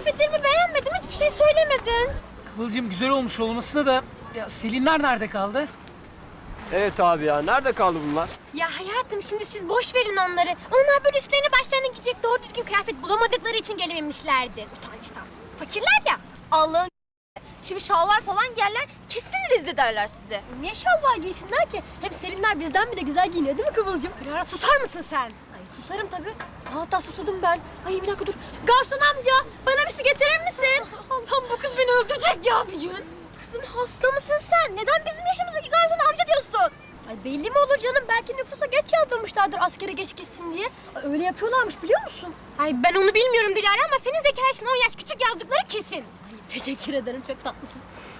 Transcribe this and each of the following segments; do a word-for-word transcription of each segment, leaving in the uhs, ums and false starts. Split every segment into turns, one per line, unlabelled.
kıyafetlerimi beğenmedim, hiçbir şey söylemedin.
Kıvılcım güzel olmuş olmasına da ya Selinler nerede kaldı?
Evet abi ya, nerede kaldı bunlar?
Ya hayatım şimdi siz boş verin onları. Onlar böyle üstlerine başlarına gidecek doğru düzgün kıyafet bulamadıkları için gelememişlerdir. Utançtan. Fakirler ya.
Allah'ın şimdi şalvar falan giyerler, kesin rezil ederler size.
Niye şalvar giysinler ki? Hep Selinler bizden bile güzel giyiniyor değil mi Kıvılcım? Clara susar mısın sen?
Ay susarım tabii. Hatta susadım ben. Ay bir dakika dur. Garson amca, bana bir su getirir misin?
Allah'ım bu kız beni öldürecek ya bir gün.
Kızım hasta mısın sen? Neden bizim yaşımızdaki garson amca diyorsun?
Ay belli mi olur canım? Belki nüfusa geç yazdırmışlardır askere geç gitsin diye. Ay, öyle yapıyorlarmış biliyor musun? Ay ben onu bilmiyorum Dilara ama senin zeka yaşın on yaş küçük yazdıkları kesin. Ay teşekkür ederim çok tatlısın.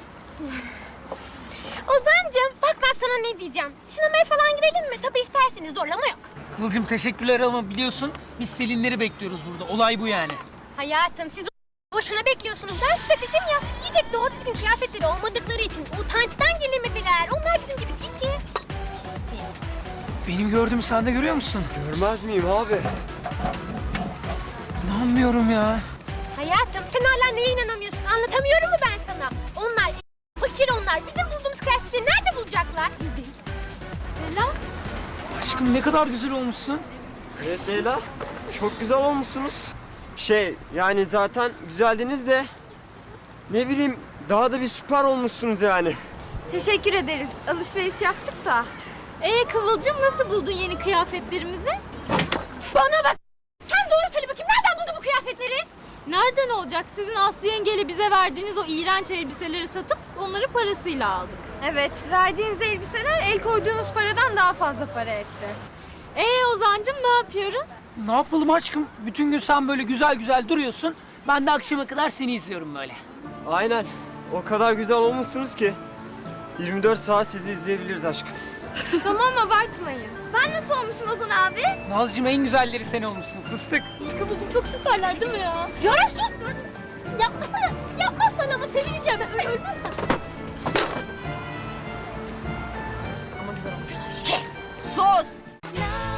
Ozan'cığım bak ben sana ne diyeceğim. Sinemaya falan gidelim mi? Tabii isterseniz zorlama yok.
Kıvılcım teşekkürler ama biliyorsun biz Selinleri bekliyoruz burada. Olay bu yani.
Hayatım siz boşuna bekliyorsunuz. Ben size dedim ya giyecek doğru düzgün kıyafetleri olmadıkları için utançtan gelemediler. Onlar bizim gibi değil ki.
Benim gördüğümü sen de görüyor musun?
Görmez miyim abi?
İnanmıyorum ya.
Hayatım sen hala neye inanamıyorsun? Anlatamıyorum mu ben sana? Onlar fakir onlar. Bizim bulduğumuz kıyafetleri nerede bulacaklar? Biz değil. Selam.
Aşkım ne kadar güzel olmuşsun.
Evet Leyla, çok güzel olmuşsunuz. Şey, yani zaten güzeldiniz de... Ne bileyim, daha da bir süper olmuşsunuz yani.
Teşekkür ederiz. Alışveriş yaptık da. Ee Kıvılcım nasıl buldun yeni kıyafetlerimizi?
Bana bak. Sen doğru söyle bakayım. Nereden buldun bu kıyafetleri?
Nereden olacak? Sizin Aslı yengeyle bize verdiğiniz o iğrenç elbiseleri satıp onları parasıyla aldık.
Evet, verdiğiniz elbiseler el koyduğunuz paradan daha fazla para etti.
Ee Ozan'cığım ne yapıyoruz?
Ne yapalım aşkım? Bütün gün sen böyle güzel güzel duruyorsun. Ben de akşama kadar seni izliyorum böyle.
Aynen, o kadar güzel olmuşsunuz ki... yirmi dört saat sizi izleyebiliriz aşkım.
Tamam abartmayın. Ben nasıl olmuşum Ozan abi?
Nazcığım en güzelleri sen olmuşsun fıstık.
Kıvılcım çok süperler değil mi ya? Yara sus sus. Yapmasana. Yapmazsan ama sevineceğim. Ö- Ölmezsen. Ama güzel olmuşlar. Kes.
Sus!